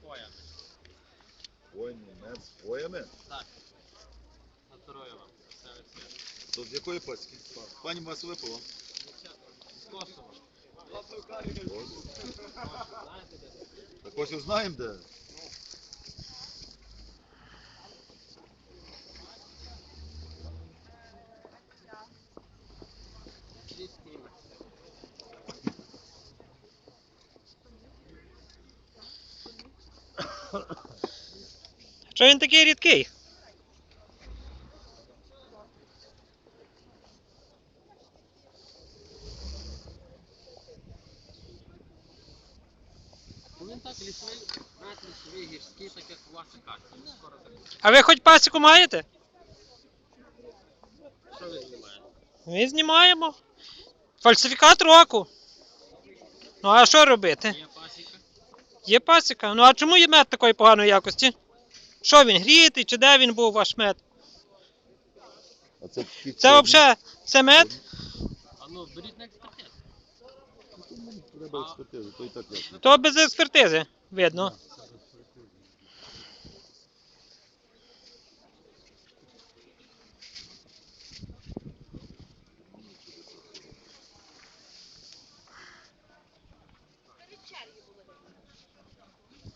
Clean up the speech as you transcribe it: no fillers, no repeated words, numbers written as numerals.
хвоями. Хвойний мед з хвоями? Так. Натурою вам. То з якої пасіки? Пані вас випало? З Косово. Знаєте де? Так ось і знаємо де. Що він такий рідкий? Ну він так лісовий, навіть лісовий, гірський, так як у вас і кажуть. Він скоро так. А ви хоч пасіку маєте? Що ви знімаєте? Ми знімаємо. Фальсифікат року. Ну а що робити? Є пасіка. Є пасіка. Ну а чому є мед такої поганої якості? Що він, грітий, чи де він був ваш мед? А це Це взагалі, це мед? А ну, беріть на експертизу. Треба експертизу, то і так ясно. То без експертизи, видно.